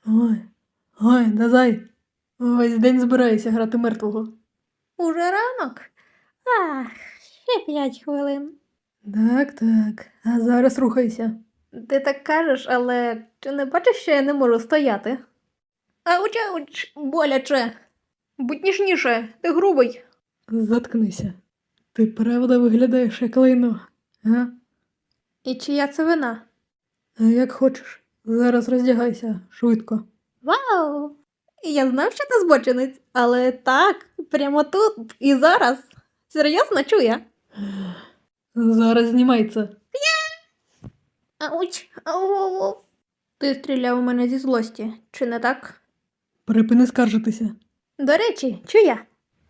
Ой, ой, Дазай, весь день збираюся грати мертвого. Уже ранок? Ах, ще 5 хвилин. Так, а зараз рухайся. Ти так кажеш, але чи не бачиш, що я не можу стояти? Ауч, боляче. Будь ніжніше, ти грубий. Заткнися. Ти правда виглядаєш як лайно, а? І чия це вина? А як хочеш, зараз роздягайся, швидко. Вау! Я знав, що ти збочинець, але так, прямо тут і зараз. Серйозно чує? Зараз знімай це. Ауч, ау. Ти стріляв у мене зі злості, чи не так? Припини скаржитися. До речі, чуя?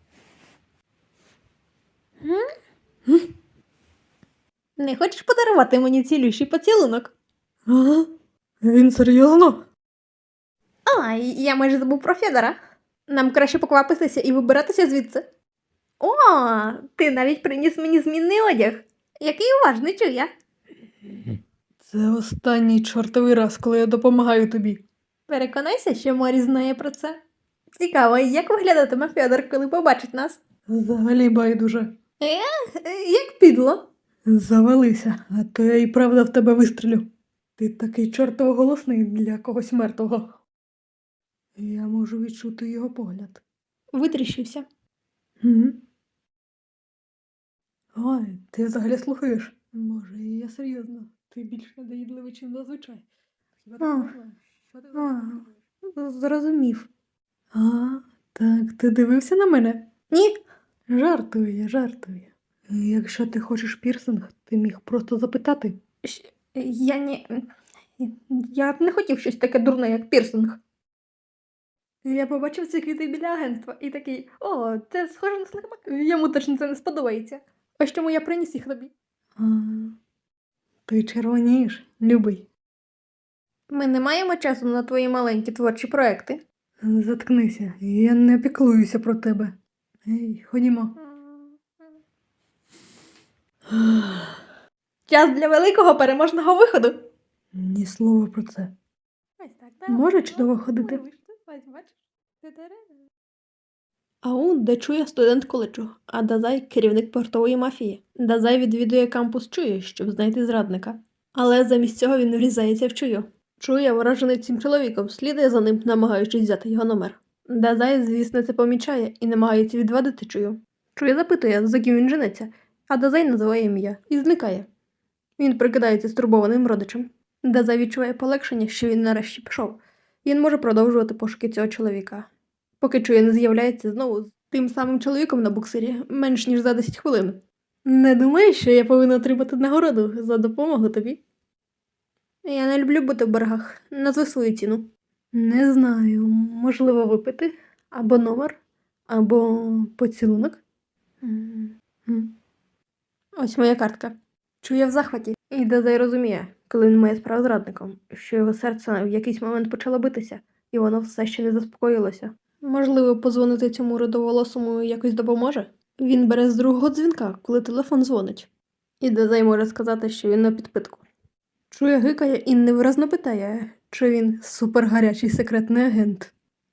Не хочеш подарувати мені цілющий поцілунок? Ага? Він серйозно? А, я майже забув про Федора. Нам краще поквапитися і вибиратися звідси. О, ти навіть приніс мені змінний одяг. Який уважний чуя. Це останній чортовий раз, коли я допомагаю тобі. Переконайся, що Морі знає про це. Цікаво, як виглядатиме Федор, коли побачить нас? Взагалі байдуже. Як підло. Завалися, а то я і правда в тебе вистрілю. Ти такий чортово голосний для когось мертвого. Я можу відчути його погляд. Витріщився. Угу. Ой, ти взагалі слухаєш? Може, і я серйозно. Ти більш надоїдливий, чим зазвичай. Хіба ти А, можна? Що ти а. взагалі? Зрозумів. А, так, ти дивився на мене? Ні? Жартую. Якщо ти хочеш пірсинг, ти міг просто запитати. Я б не хотів щось таке дурне, як пірсинг. Я побачив ці квіти біля агентства і такий, о, це схоже на слимак. Йому точно це не сподобається. Ось чому я приніс їх тобі. А, ти червонієш, любий. Ми не маємо часу на твої маленькі творчі проекти. Заткнися, я не піклуюся про тебе. Ей, ходімо. Час для великого переможного виходу. Ні слова про це. Ось так, Може чудово ходити? Аун Дачуя студент коледжу, а Дазай – керівник портової мафії. Дазай відвідує кампус Чуї, щоб знайти зрадника. Але замість цього він врізається в Чую. Чуя, вражений цим чоловіком, слідує за ним, намагаючись взяти його номер. Дазай, звісно, це помічає і намагається відвадити Чую. Чуя запитує, за ким він женеться, а Дазай називає ім'я і зникає. Він прикидається стурбованим родичем. Дазай відчуває полегшення, що він нарешті пішов. Він може продовжувати пошуки цього чоловіка. Поки Чуя не з'являється знову з тим самим чоловіком на буксирі, менш ніж за 10 хвилин. Не думаєш, що я повинна отримати нагороду за допомогу тобі? Я не люблю бути в боргах. Назви свою ціну. Не знаю, можливо випити, або номер, або поцілунок. Ось моя картка. Чує в захваті. І Дазай розуміє, коли він має справу з радником, що його серце в якийсь момент почало битися, і воно все ще не заспокоїлося. Можливо, позвонити цьому рудоволосому якось допоможе? Він бере з другого дзвінка, коли телефон дзвонить. І Дазай може сказати, що він на підпитку. Чує гикає і невиразно питає, чи він супергарячий секретний агент.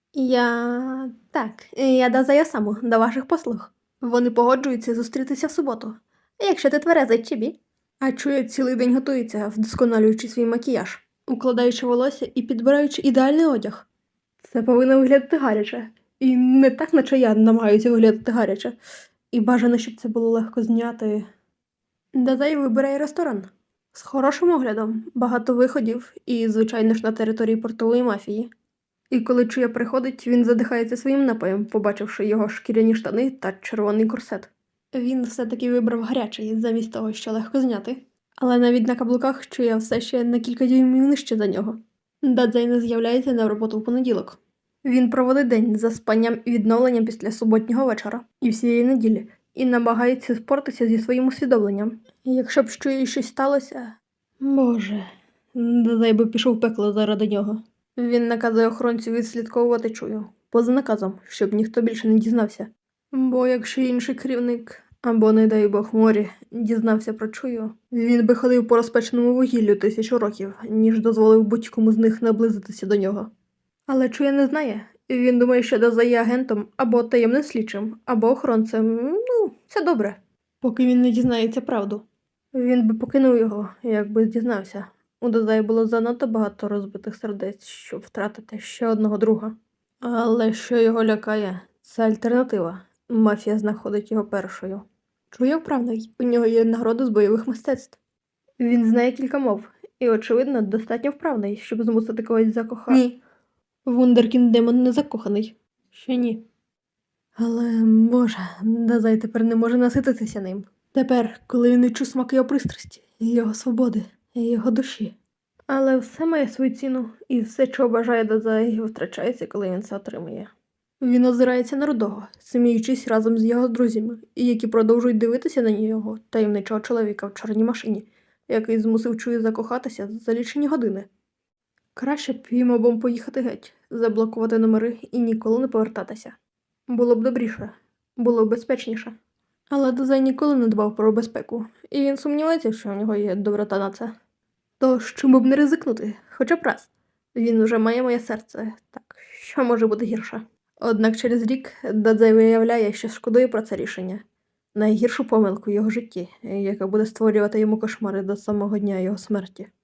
Я Дазай Осаму, до ваших послуг. Вони погоджуються зустрітися в суботу. Якщо ти тверезий, Чібі. А Чуя цілий день готується, вдосконалюючи свій макіяж, укладаючи волосся і підбираючи ідеальний одяг. Це повинно виглядати гаряче. І не так, наче я намагаюся виглядати гаряче. І бажано, щоб це було легко зняти. Дазай вибирає ресторан. З хорошим оглядом, багато виходів і, звичайно ж, на території портової мафії. І коли Чуя приходить, він задихається своїм напоєм, побачивши його шкіряні штани та червоний корсет. Він все-таки вибрав гарячий, замість того, що легко зняти. Але навіть на каблуках Чуя все ще на кілька дюймів нижче за нього. Дадзай не з'являється на роботу в понеділок. Він проводить день за спанням і відновленням після суботнього вечора і всієї неділі, і намагається спортитися зі своїм усвідомленням. І якщо б з Чуєю щось сталося... Боже, Дадзай би пішов в пекло заради нього. Він наказує охоронцю відслідковувати Чую, поза наказом, щоб ніхто більше не дізнався. Бо якщо інший керівник, або, не дай Бог, Морі, дізнався про Чую, він би ходив по розпеченому вугіллю 1000 років, ніж дозволив будь-кому з них наблизитися до нього. Але Чуя не знає. Він думає, що Дазай є агентом або таємним слідчим, або охоронцем. Ну, це добре. Поки він не дізнається правду. Він би покинув його, якби дізнався. У Дазаї було занадто багато розбитих сердець, щоб втратити ще одного друга. Але що його лякає, це альтернатива. Мафія знаходить його першою. Чуя вправний, у нього є нагорода з бойових мистецтв. Він знає кілька мов, і, очевидно, достатньо вправний, щоб змусити когось закохати. Ні. Вундеркінд Демон не закоханий. Ще ні. Але, Боже, Дазай тепер не може насититися ним. Тепер, коли він відчув смак його пристрасті, його свободи, його душі. Але все має свою ціну, і все, чого бажає Дазай, втрачається, коли він це отримує. Він озирається на Рудого, сміючись разом з його друзями, і які продовжують дивитися на нього, таємничого чоловіка в чорній машині, який змусив Чую закохатися за лічені години. Краще б їм обом поїхати геть, заблокувати номери і ніколи не повертатися. Було б добріше, було б безпечніше. Але Дазай ніколи не дбав про безпеку, і він сумнівається, що в нього є доброта на це. Тож, чому б не ризикнути, хоча б раз. Він уже має моє серце, так що може бути гірше? Однак через рік Дазай виявляє, що шкодує про це рішення. Найгіршу помилку в його житті, яка буде створювати йому кошмари до самого дня його смерті.